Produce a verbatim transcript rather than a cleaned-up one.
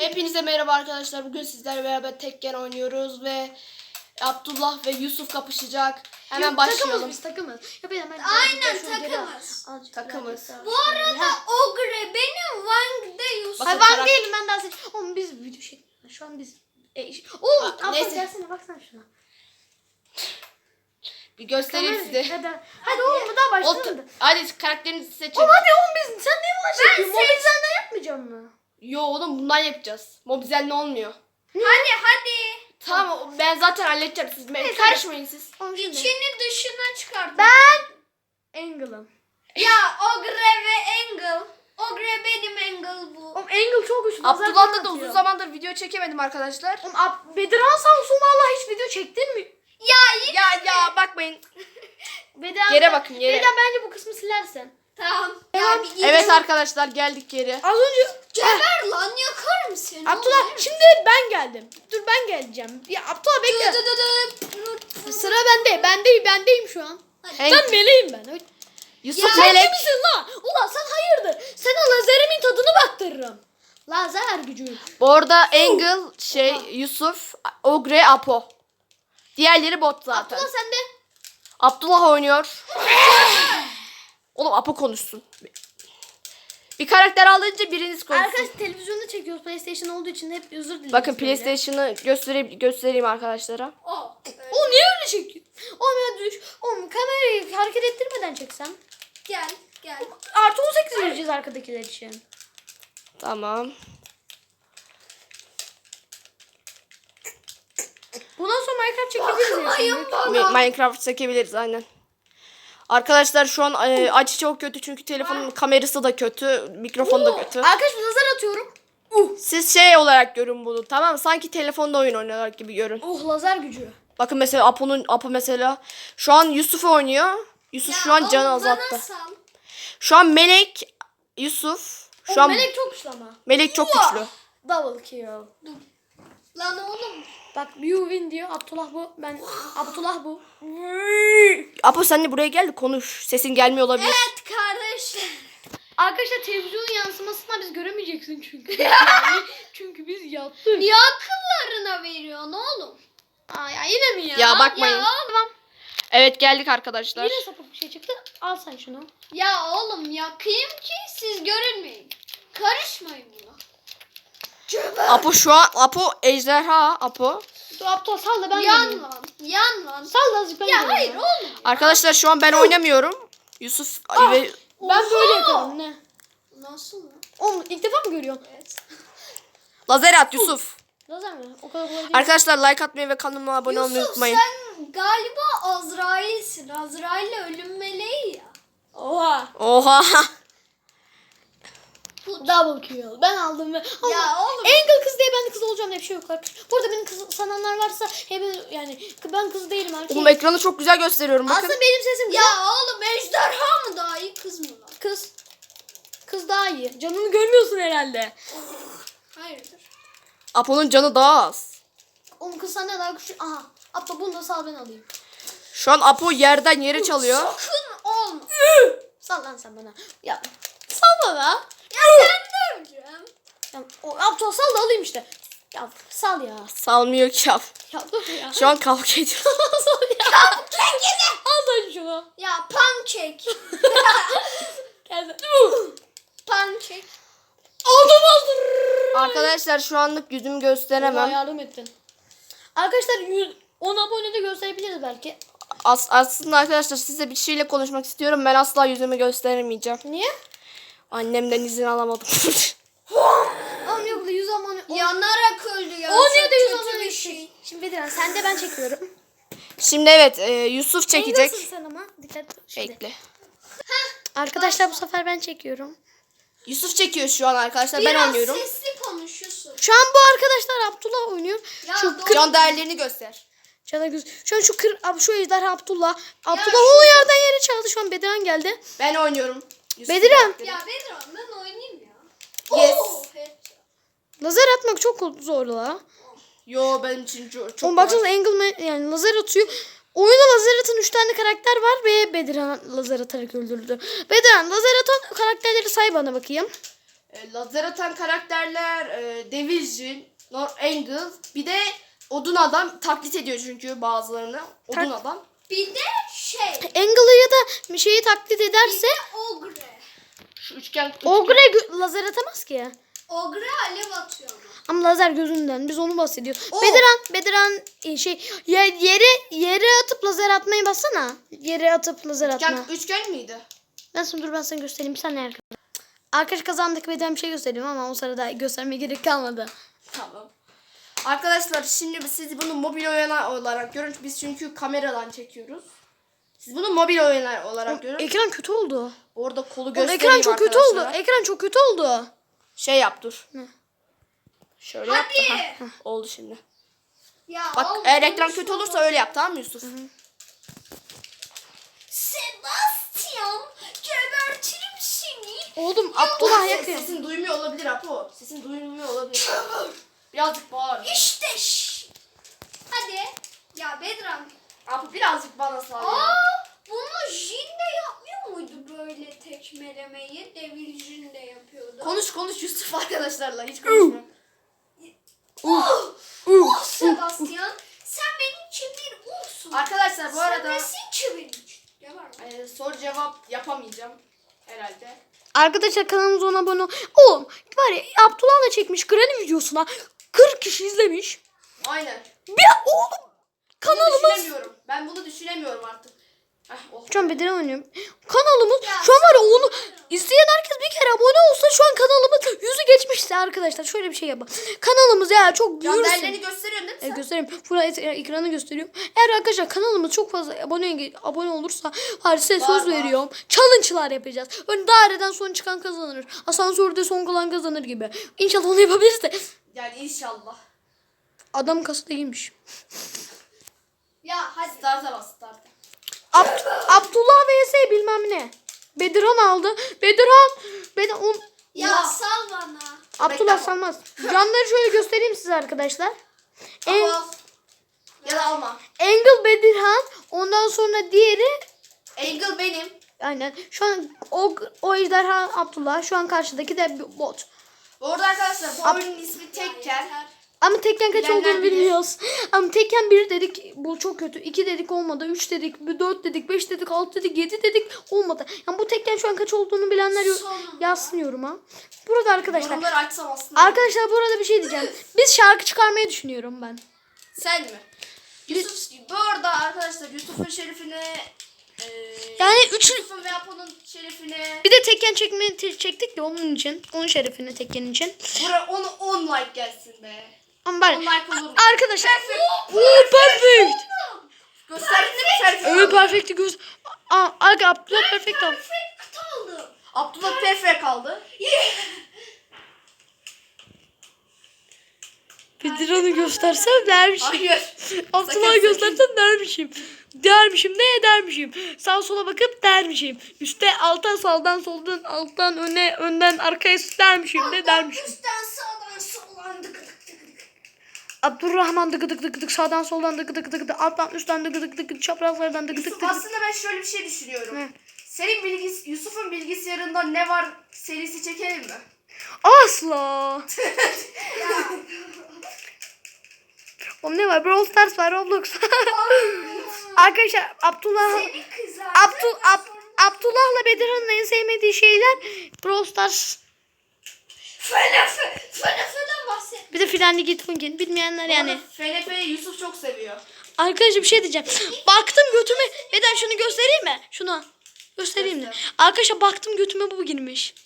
Hepinize merhaba arkadaşlar. Bugün sizlerle beraber Tekken oynuyoruz ve Abdullah ve Yusuf kapışacak. Hemen Yok, başlayalım. Takımız biz takımız. Ya ben hemen Aynen takımız. Takımız. Bu arada Ogre benim, Wang de Yusuf. Bakın, Hayır ben karak- değilim ben daha seç. Oğlum biz video şey. Şu an biz. E, ş- Oğlum Aa, abla neyse. gelsene baksana şuna. Bir göstereyim Kamera- size. Hadi, hadi oğlum daha O, başlamadı. hadi karakterinizi seçin. Oğlum hadi oğlum biz sen ne ulan çekiyorsun? seç- Mobilizenden yapmayacağım mı? Yo oğlum bundan yapacağız. Mobizel ne olmuyor. Hadi hadi. Tamam ben zaten halledeceğim. Siz ben Neyse, karışmayın siz. Oğlum şimdi. İçini dışına çıkart. Ben Angle'ım. Ya Ogre ve Angle. Ogre benim, Angle bu. Oğlum Angle çok güçlü. Abdullah'la da uzun zamandır video çekemedim arkadaşlar. Oğlum Ab Bedirhan sağ olsun valla hiç video çektin mi? Ya yine. Ya ya bakmayın. Bedirhan, Yere bakın, yere. Bedirhan bence bu kısmı silersen. Tamam. Tamam. Ya bir Evet arkadaşlar geldik geri. Az önce Geber lan, yakarım seni. Abdullah oğlum. şimdi ben geldim. Dur ben geleceğim. Ya Abdullah bekle. Dı dı dı dı. Sıra bende. Bendeyim bendeyim şu an. Hey, Ben meleğim ben. Oy. Yusuf Sen Melek. kimsin lan? Ulan sen hayırdır? Sana lazerimin tadını baktırırım. Lazer gücü. Bu arada Angle, şey Yusuf, Ogre, Apo. Diğerleri bot zaten. Abdullah sen de. Abdullah oynuyor. Oğlum Apo konuşsun. Bir karakter alınca biriniz konuşsun. Arkadaş televizyonda çekiyoruz. PlayStation olduğu için hep özür dilerim. Bakın PlayStation'ı göstereyim, göstereyim arkadaşlara. O. Oğlum niye öyle çekiyorsun? Oğlum ya düş. Oğlum kamerayı hareket ettirmeden çeksem. Gel gel. Artı on sekiz vereceğiz arkadakiler için. Tamam. Bundan sonra Minecraft çekebiliriz ya. Bakmayın şimdi. bana. Mi- Minecraft çekebiliriz aynen. Arkadaşlar şu an e, açı çok kötü çünkü telefonun kamerası da kötü, mikrofonu da kötü. Arkadaşlar lazer atıyorum. Siz şey olarak görün bunu, tamam mı? Sanki telefonda oyun oynuyorlar gibi görün. Oh lazer gücü. Bakın mesela Apo'nun Apo mesela şu an Yusuf oynuyor. Yusuf şu an oğlum, canı bana azalttı. sal. Şu an Melek, Yusuf. Şu Şu an Melek çok güçlü ama. Melek çok güçlü. Double kill. Lan oğlum. Bak you win diyor. Abdullah bu. Ben Abdullah bu. Apo sen de buraya gel de konuş. Sesin gelmiyor olabilir. Evet kardeşim. Arkadaşlar televizyonun yansımasını biz göremeyeceksin çünkü. Yani çünkü biz yattık. Niye akıllarına veriyorsun oğlum? Aa ya yine mi ya? Ya bakmayın. Ya oğlum. Evet geldik arkadaşlar. Yine sapık bir şey çıktı. Al sen şunu. Ya oğlum yakayım ki siz görünmeyin. Karışmayın buna. Apo şu an Apo ejderha Apo. Dur Abdullah sal da ben Yan geleyim. lan. Yan lan. Sal da azıcık ben Ya geleyim hayır ya. oğlum. Arkadaşlar şu an ben oynamıyorum. Yusuf ve Ben böyle yaparım ne? Nasıl lan? Oğlum ilk defa mı görüyorsun? Evet. lazer at Yusuf. Lazer mi? O kadar kolay değil. Arkadaşlar like atmayı ve kanalıma abone olmayı Yusuf unutmayın. sen galiba Azrail'sin. Azrail'le ölüm meleği ya. Oha. Oha. Double kill. Ben aldım ve... Ya oğlum. Angle kız diye ben de kız olacağım diye bir şey yok arkadaşlar. Burada benim kız sananlar varsa hep yani ben kız değilim erkeğim. Oğlum ekranı çok güzel gösteriyorum bakın. Aslında benim sesim Ya oğlum ejderha mı daha iyi, kız mı lan? kız. Kız daha iyi. Canını görmüyorsun herhalde. Hayırdır? Apo'nun canı daha az. Oğlum kız senden daha güçlü. Aha. Abla bunu da sal ben alayım. Şu an Apo yerden yere çalıyor. Sakın olma. Sal lan sen bana. Ya sal bana. Ya sen de öleceğim. Ya, o, Abdullah sal da alayım işte. Ya sal ya. Salmıyor ki Apo. Ya dur ya. Şu an kavga ediyor. sal ya. Al sen şunu. Ya pancake. Gel sen. Pancake. Aldım aldım. Arkadaşlar şu anlık yüzümü Bana gösteremem. yardım ettin. Arkadaşlar yüz, on abone de gösterebiliriz belki. As aslında arkadaşlar size bir şeyle konuşmak istiyorum. Ben asla yüzümü gösteremeyeceğim. Niye? Annemden izin alamadım. Oğlum yok da yüz abone. Yanarak öldü ya. O niye Çok de yüz kötü abone bir şey. şey. Şimdi Bediren sen de ben çekiyorum. Şimdi evet e, Yusuf çekecek. Nasılsın sen ama? Dikkat. Şimdi. Bekle. Arkadaşlar bu sefer ben çekiyorum. Yusuf çekiyor şu an arkadaşlar. Ben Biraz oynuyorum. sesli konuşuyorsun. Şu an bu arkadaşlar Abdullah oynuyor. Ya Şu doğru. Can değerlerini göster. Cana göz. Şu an şu kır ab- şu ejderha Abdullah. Abdullah şu- o yerden yere çaldı. Şu an Bediren geldi. Ben oynuyorum. Yusuf Bediren. Ya Bedran ben oynayayım ya. Yes. Oo, headshot. Lazer atmak çok zor la. Yo benim için çok, çok Oğlum baksanıza Angle ma- yani lazer atıyor. Oyunda lazer atan üç tane karakter var ve Bediren lazer atarak öldürdü. Bediren lazer atan karakterleri say bana bakayım. e, lazer atan karakterler, e, Division, Nor Angle, bir de Odun Adam taklit ediyor çünkü bazılarını. Odun Tak- Adam. Bir de şey. Angle'ı ya da bir şeyi taklit ederse Ogre. Şu üçgen, Ogre gö- lazer atamaz ki. Ogre alev atıyor ama. Ama lazer gözünden biz onu bahsediyoruz. Oo. Bediran, Bediran e, şey ya, yere yere atıp lazer atmayı bassana. Yere atıp lazer atma. üçgen, üçgen miydi? Ben sana dur ben sana göstereyim. Bir saniye arkadaş. Arkadaş kazandık Bediran bir şey göstereyim ama o sırada göstermeye gerek kalmadı. Tamam. Arkadaşlar şimdi siz bunu mobil oyun olarak görün. Biz çünkü kameradan çekiyoruz. Siz bunu mobil oyun olarak görün. Ekran kötü oldu. Orada kolu Oğlum, göstereyim ekran çok kötü oldu. arkadaşlara. Ekran çok kötü oldu. Şey yap dur. Şöyle yap. da, Hadi. heh, heh, oldu şimdi. Ya Bak oğlum, eğer ekran konuşma kötü olursa bak. öyle yap, tamam mı Yusuf? Sebastian, gebertirim seni. Oğlum Abdullah Ses- yakın. Sesin duymuyor olabilir Apo. Sesin duymuyor olabilir. Birazcık bağır. İşte ş- Hadi. Ya Bedran. Apo birazcık bana sağ. Aa, bunu Jin de yapmıyor muydu böyle tekmelemeyi? Devil Jin de yapıyordu. Konuş konuş Yusuf arkadaşlarla hiç konuşma. Oh, oh Sebastian, sen benim için bir ulsun. Arkadaşlar bu Sen arada nesin ki benim için? Ne var mı? e, soru cevap yapamayacağım herhalde. Arkadaşlar kanalımıza ona abone ol. Oğlum var ya Abdullah'la çekmiş Granny videosuna kırk kişi izlemiş. Aynen. Bir oğlum Bunu kanalımız. düşünemiyorum. Ben bunu düşünemiyorum artık. Heh, oh. Şu an Bediran oynuyorum. Kanalımız Ya şu an var ya onu izleyen herkes bir kere abone olsa şu an kanalımız yüzü geçmişti arkadaşlar. Şöyle bir şey yapalım. Kanalımız ya çok Can büyürsün. değerlerini gösteriyorsun değil mi E, sen? göstereyim. Burada et- ekranı gösteriyorum. Eğer arkadaşlar kanalımız çok fazla abone abone olursa hadi size Var, söz var. veriyorum. Challenge'lar yapacağız. Ön daireden son çıkan kazanır. Asansörde son kalan kazanır gibi. İnşallah onu yapabiliriz de. Yani inşallah. Adam kasada giymiş. Ya hadi. Start'a bas start'a. Ab- Abdullah vs bilmem ne. Bedirhan aldı. Bedirhan. Bedirhan. on- Ya Oha. sal bana. Abdullah Bekle. salmaz. Canları şöyle göstereyim size arkadaşlar. En, Al. Ya da alma. Angle Bedirhan. Ondan sonra diğeri Angle benim. aynen. Şu an o, o ejderha Abdullah. Şu an karşıdaki de bir bot. Bu arada arkadaşlar bu Ab- oyunun ismi Tekken. Yeter. Ama Tekken kaç Bilenler olduğunu bilir. bilmiyoruz. Ama Tekken bir dedik bu çok kötü. iki dedik olmadı. üç dedik, dört dedik, beş dedik, altı dedik, yedi dedik olmadı. Yani bu Tekken şu an kaç olduğunu bilenler yo- Sonunda. yazsın yoruma. Burada arkadaşlar. Yorumları açsam aslında. Arkadaşlar burada bir şey diyeceğim. Biz şarkı çıkarmayı düşünüyorum ben. Sen mi? Yusuf, bu arada arkadaşlar Yusuf'un şerefine e, Yani üç Yusuf'un ve Apo'nun şerefine bir de Tekken çekme te- çektik ya onun için. Onun şerefine Tekken için. bura onu on like gelsin be. Ama ben on like olur mu? arkadaşlar. Oo perfect. Gösterdin mi perfect? Evet perfect'i göz. Aa, Aga Abdullah perfect al. Perfect aldım. Abdullah perfect kaldı. Bediran'ı göstersem dermişim. Hayır. Abdullah'ı sakın. göstersem dermişim. Dermişim ne dermişim. Sağ sola bakıp dermişim. Üste alta saldan soldan alttan öne önden arkaya dermişim de dermişim. Üstten sağdan soldan dık dık dık dık. Abdurrahman dıgı dık dık dık sağdan soldan dıgı dık dık dık alttan üstten dıgı dık dık dık çaprazlardan dıgı dık Yusuf dık. aslında ben şöyle bir şey düşünüyorum. Ne? Senin bilgis Yusuf'un bilgisayarında ne var serisi çekelim mi? Asla. Oğlum ne var? Brawl Stars var, Roblox. Arkadaşlar Abdullah Seni kızardı. Abdul Ab, Abdullah'la Bedirhan'ın en sevmediği şeyler Brawl Stars. Fene fe, fene fene bahset. Bir de Frenli Git Funkin. Bilmeyenler yani. Yani. F N P'yi Yusuf çok seviyor. Arkadaşlar bir şey diyeceğim. Baktım götüme. Beden şunu göstereyim mi? Şunu. Göstereyim mi? Göster. Arkadaşlar baktım götüme bu girmiş.